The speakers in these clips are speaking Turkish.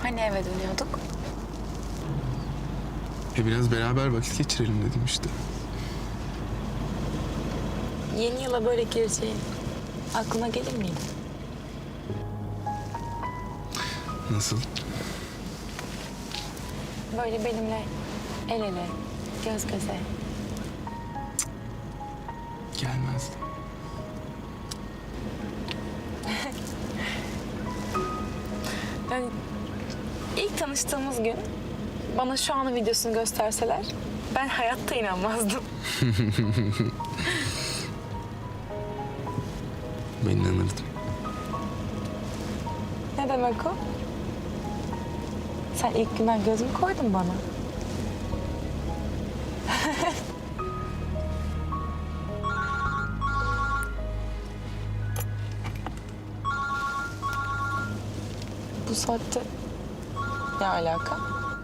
Hani eve dönüyorduk? Biraz beraber vakit geçirelim dedim işte. Yeni yıla böyle gireceğin aklına gelir miydi? Nasıl? Böyle benimle el ele, göz göze. Gelmezdi. Yani ilk tanıştığımız gün bana şu anın videosunu gösterseler ben hayatta inanmazdım. Ben inanırdım. Ne demek o? Sen ilk günden göz mü koydun bana? Bu saatte ne alaka?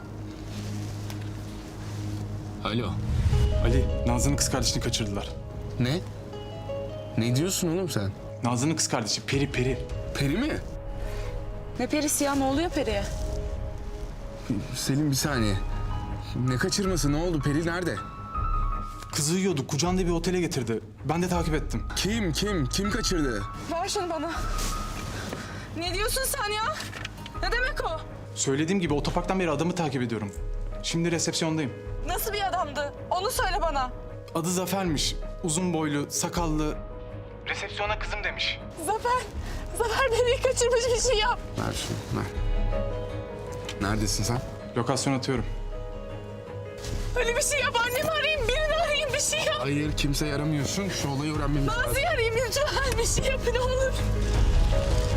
Alo. Ali, Nazlı'nın kız kardeşini kaçırdılar. Ne? Ne diyorsun oğlum sen? Nazlı'nın kız kardeşi Peri. Peri mi? Ne perisi ya? Ne oluyor periye? Selim bir saniye. Ne kaçırması? Ne oldu? Peri nerede? Kızı uyuyordu, kucağında bir otele getirdi. Ben de takip ettim. Kim kaçırdı? Ver şunu bana. Ne diyorsun sen ya? Ne demek o? Söylediğim gibi otoparktan beri adamı takip ediyorum. Şimdi resepsiyondayım. Nasıl bir adamdı? Onu söyle bana. Adı Zafer'miş. Uzun boylu, sakallı. Resepsiyona kızım demiş. Zafer beni kaçırmış bir şey yap. Ver şunu, ver. Neredesin sen? Lokasyon atıyorum. Öyle bir şey yap. Annemi arayayım, birini arayayım, bir şey yap. Hayır, kimseyi aramıyorsun. Şu olayı öğrenmemiz lazım. Nazlı'yı arayayım lütfen. Bir şey yap ne olur.